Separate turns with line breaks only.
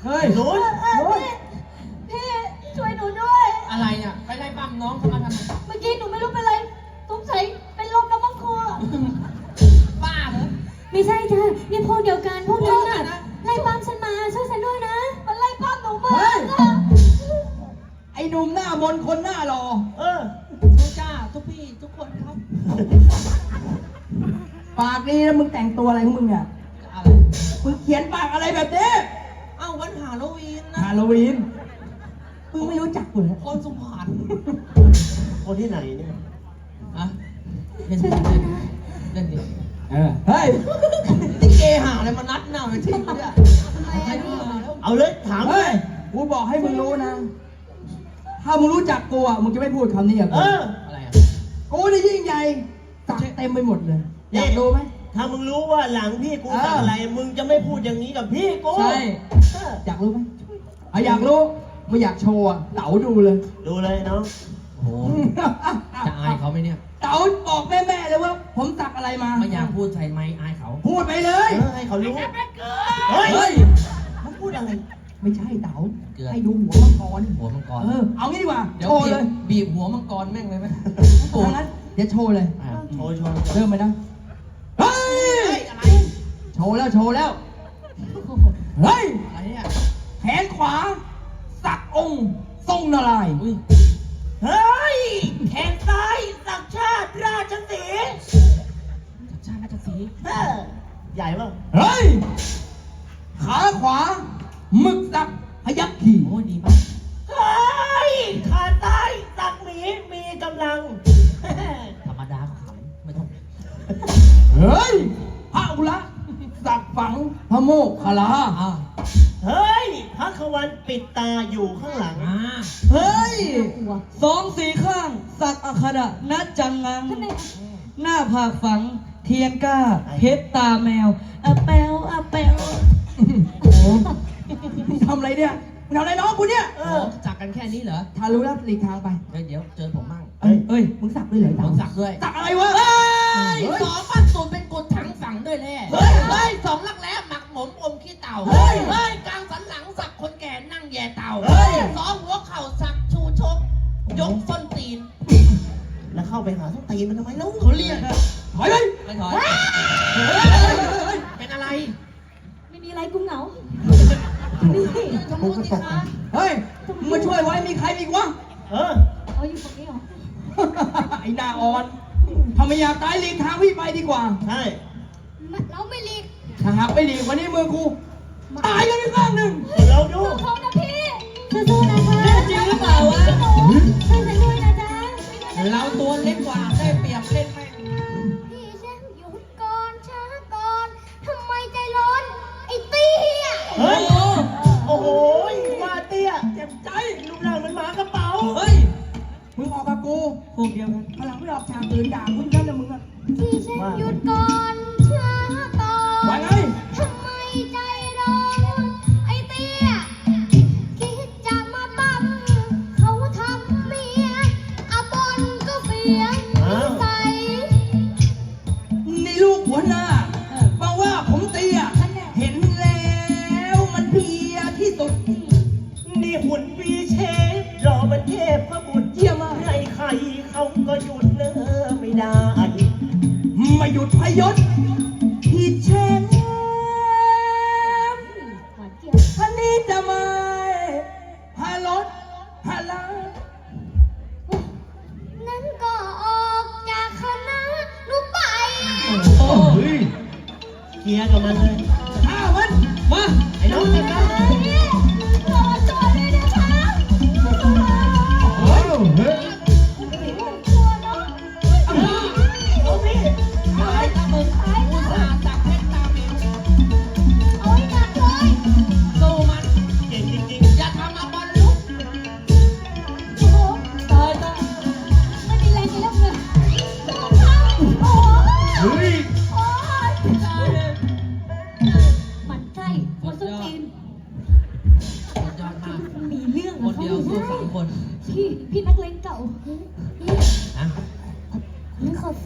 เฮ้ย
หนู
พี่ช่วยหนูด้วย
อะไรเนี่ยไปไล่ปั้มน้องเขามาทำไม
เมื่อกี้หนูไม่รู้เป็นไรสงสัยเป็นลมน้ำมันครัว
บ้าเหรอ
ไม่ใช่จ้ะนี่พวกเดียวกันพวกนั้นน่ะไล่ปั้มฉันมาช่วยฉันด้วยนะมันไล่ปั้มหนูมาจ้ะ
ไอ้หนุ่มหน้ามนคนหน้ารอ
ทุกจ้าทุกพี่ทุกคนครับ
ปากนี้แล้วมึงแต่งตัวอะไรของมึงเนี่ย
อะไร
มึงเขียนปากอะไรแบบนี้
เอ้าวันฮาโลวีนนะ
ฮาโลวีนมึงไม่รู้จักกูเหรอ
คนสุพรรณ
คนที่ไหนเนี่ย
อะเล่น
ช่วย
ดิ
ฉันด้วยนะ
เล่นดิ
เฮ้ย
นี่เกหาอะไรมานัดหน้าไปทิ้งเนี่ย
ทำไม
ใคร
อะ
ดู
พี่
มาแล้ว
เอาเลยถามเล
เฮ้ย
ย
กูบอกให้มึงรู้นะ ถ้ามึงรู้จักกูอ่ะมึงจะไม่พูดคำนี้กับกู
อะไรอ่ะ
กูนี่ยิ่งใหญ่สักเต็มไปหมดเลย อยากดูไหม
ถ้ามึงรู้ว่าหลังพี่กูสั่งอะไร มึงจะไม่พูดอย่างนี้กับพี่กู
ใช่อยากรู้ไหมอยากรู้ไม่อยากโชว์อ่ะเต๋าดูเลย
ดูเลยน้อง
โอ้โหจะอายเขาไหมเนี่ย
เต๋าบอกแม่ๆเลยว่า ผมสักอะไรมา
ไม่อยากพูดใส่ไม้อายเขา
พูดไปเลย
ให้เขารู้
เฮ้ย
มึงพูดอะไร
ไม่ใช่เต๋า
เกลือ
ให้ดูหัวมังกร
หัวมังกร
เอางี้ดีกว่า
เดี๋ยว
โชว์เลย
บีบหัวมังกรแม่งเลยไหม
ทางนั้นเดี๋ยวโชว์เลย
อ่ะ
โชว์โชว์
เริ่มไปนะ เฮ้ย
อะไร
โชว์แล้วโชว์แล้ว เฮ้ย
อะไรเนี่ย
แขนขวา สักองค์ทรงนารายณ์
อุ้ย
เฮ้ย แขนซ้ายสักชาติราชสีห์
จักรชาติราชสีห์
ใหญ่ป่ะ
เฮ้ย ขาขวาหมึกสักพยัคฆ์ขี่
โอ้ยดีมาก
เฮ้ย ขาซ้ายสักหมีมีกำลัง
ธรรมดาขำไม่ต้อง
เฮ้ย พระอุระสักฝังพระโมกขลา
อ่า
เฮ้ยพระขวันปิดตาอยู่ข้างหลัง
อ่า
เฮ้ย
กลัว
สองสีข้าง สักอัคระนัดจังงัง
ทำไม
หน้าผากฝัง เทียนก้า เพชรตาแมวอะแปวอะแปวโอ้โหทำอะไรเนี่ยมึงทำอะไรน้องกูเนี่ย
โอ้จักกันแค่นี้เหรอ
ทารู้แล้วหลีกทางไป
เดี๋ยวเจอผมมั่ง
เอ้ย มึงสักด้วยเหรอ
ผมสักด้วย
สักอะไรวะ
เฮ้ย
เฮ้ย
สองปั้นตูนเป็นกุดถังฝังด้วยแน่
เฮ้ย
เฮ้ยสองลักแร้หมักหมมอมขี้เต่า
เฮ้ย
เฮ้ยกลางสันหลังสักคนแก่นั่งแย่เต่า
เฮ้ย
สองหัวเข่าสักชูชก ยกส้นตีน
แล้วเข้าไปหาส้นตีนมันทำไมแล้ว
เขาเรียกอะ
ถอยเลย
ไม่ถอยเป็นอะไร
ไม่มีอะไรกูเหงา
ทำไมสิคะ
เฮ้ย มึงมาช่วยไว้ มีใครอีกวะ
เอาอยู่ตรงนี้เหรอ
ไอ้หน้าอ่อนถ้าไม่อยากตายหลีกทางพี่ไปดีกว่า
ใช่
เราไม่รีบ
ถ้าหากไม่หลีกวันนี้มือกู ตายกันไปข้างหนึ่ง
เราดู
สู้เขานะพี่สู้ๆนะคะ
จริงหรือเปล่าวะ
ช่วยฉันด้วยนะจ๊ะ
เราตัวเล็กกว่าได้เปรียบเล่นแม่ง
พี่แช่มหยุดก่อนช้าก่อนทำไมใจร้อนไอ้เตี้ย
เฮ้ย โอ้โห มาเตี้ยเจ็บใจรูปร่างมันหมากระเป๋า
เฮ้ย มึงออกกับกูพวกเดียวกันพลังไม่ออกฉากอื่นด่ากูนั่นแหละมึงอะ
พี่แช่มหยุดก่อนช้าก่อน
ว่าไง
ทำไมใจร้อนไอ้เตี้ยคิดจะมาปั๊มเขาทำเมียอาบนก็เฟียใส่
นี่ลูกหัวหน้ามาว่าผมเตี้ยเห็นแล้วมันเพลียที่สุด
นี่หุ่นวีเชฟรอมันเทพพระบุตร
เยี่ยมมาก
ให้ใครเขาก็หยุดเนอไม่ได้
ไม่หยุดพยศที่แชมป์
หวานเจี๊ยบ
ท่านนี้จะไม่พารถพาลา
นั้นก็ออกจากคณะหนูไป
โอ้ย
เคลียร์กับมันเลย
ข้ามันมา
ไอ้น้องเจ็บนะ
รอตัวด้วยนะคะ
โอ้เฮ้ย
ตัวเนาะ
น้องพี่
ตายถ้ามึงอุตส่าห์สักเพชรตาเมว
เอาให้หนักเลย
สู้มัน
เก่งจริง
อย่าทำมาบอลลุก
โอ้โหตายตายไม่มีแรงจะเล่นเลยโอ้โห
เฮ้ย
โอ้ยมันใช่หัวส้นตีน
สุดยอดมาก
มีเรื่อง
คนเดียวสู้สามคน
พี่นักเลงเก่า
นะ
พี่ขอ